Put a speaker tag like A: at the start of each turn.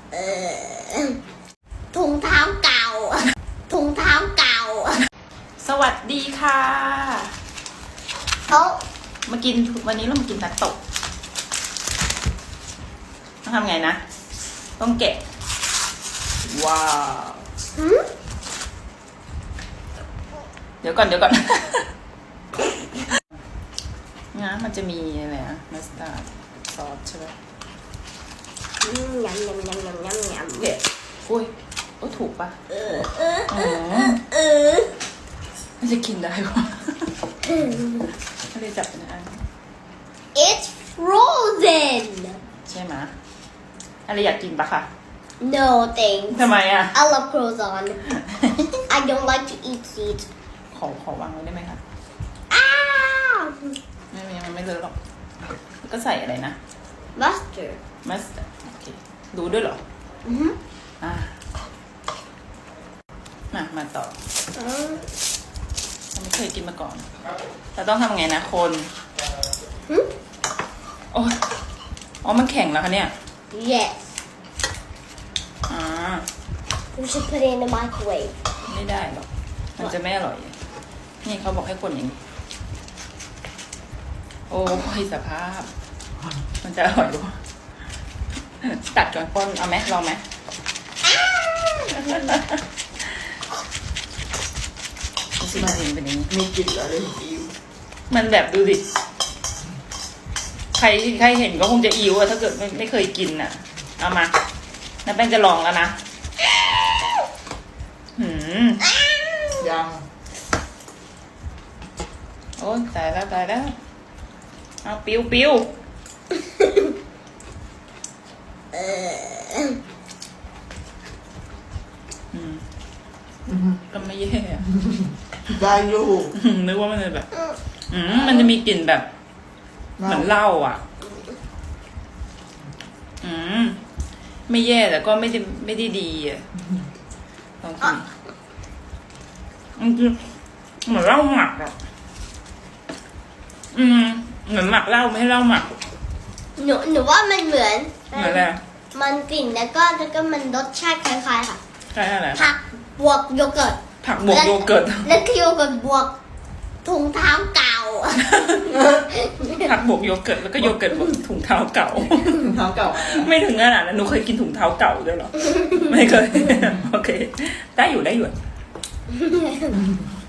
A: ถุงเท้าเก่าถุงเท้าเก่า
B: สวัสดีค่ะ
A: เขา
B: มากินวันนี้เรามากินนัตโตะต้องทำไงนะต้องแกะว้าวเดี๋ยวก่อนนะมันจะมีอะไรนะมัสตาร์ดซอสใช่ไหม
A: ยำ
B: แกะอุ้ยถูกปะมันจะกินได้ปะไม่ได้จับเป็นอัน
A: It's frozen
B: ใช่ไหมอะไรอยากกินปะคะ
A: No thanks
B: ทำไมอ่ะ
A: I love croissant I don't like to eat seeds
B: ขอวางไว้ได้ไหมคะ
A: อ้าว
B: มันไม่เลอะหรอกก็ใส่อะไรนะ
A: mustard
B: มัสโอเคดูด้วยเหรอมาต่อเราไม่เคยกินมาก่อนเราต้องทำไงนะคนโอ้อ๋อมันแข็งแล้วคะเนี่ย
A: Yes
B: อ่า
A: We should put it in the microwave
B: ไม่ได้หรอกมันจะไม่อร่อยนี่เขาบอกให้คนอย่างนี้โอ้ยสภาพมันจะอร่อยหรือตัดก่อนป้นเอาไหมลองไหมสิมันเป็นอย่างนี้
C: มีกลิ่นอะไรอิว
B: มันแบบดูดิใครเห็นก็คงจะอิวอะถ้าเกิดไม่เคยกินอะเอามาน้าแป้งจะลองแล้วนะ
C: ยัง
B: โอ้ยตายแล้วเอาปิ้วก็ไม่แย่
C: ได้อยู่
B: นึกว่ามันจะแบบมันจะมีกลิ่นแบบเหมือนเหล้าอ่ะไม่แย่แต่ก็ไม่ได้ดีอ่ะลองกินมันคือเหมือนเหล้าหมักอ่ะเหมือนหมักเหล้าไม่ให้เหล้าหมัก
A: หนูว่ามันเหมือน
B: เหมือนอะไร
A: มันกลิ่นแล้วก็มันรสชาติคล้ายๆค่ะ
B: ใช่อะไร
A: ผักบวกโยเกิร์ต
B: ผักบวกโยเกิร์ต
A: แล้วคือโยเกิร์ตบวกถุงเท้าเก่า
B: ผักบวกโยเกิร์ตแล้วก็โยเกิร์ตบวกถุงเท้าเก่า
C: ถุงเท้าเก่า
B: ไม่ถึงขนาดนั้นหนูเคยกินถุงเท้าเก่าด้วยเหรอ ไม่เคย โอเค ได้อยู่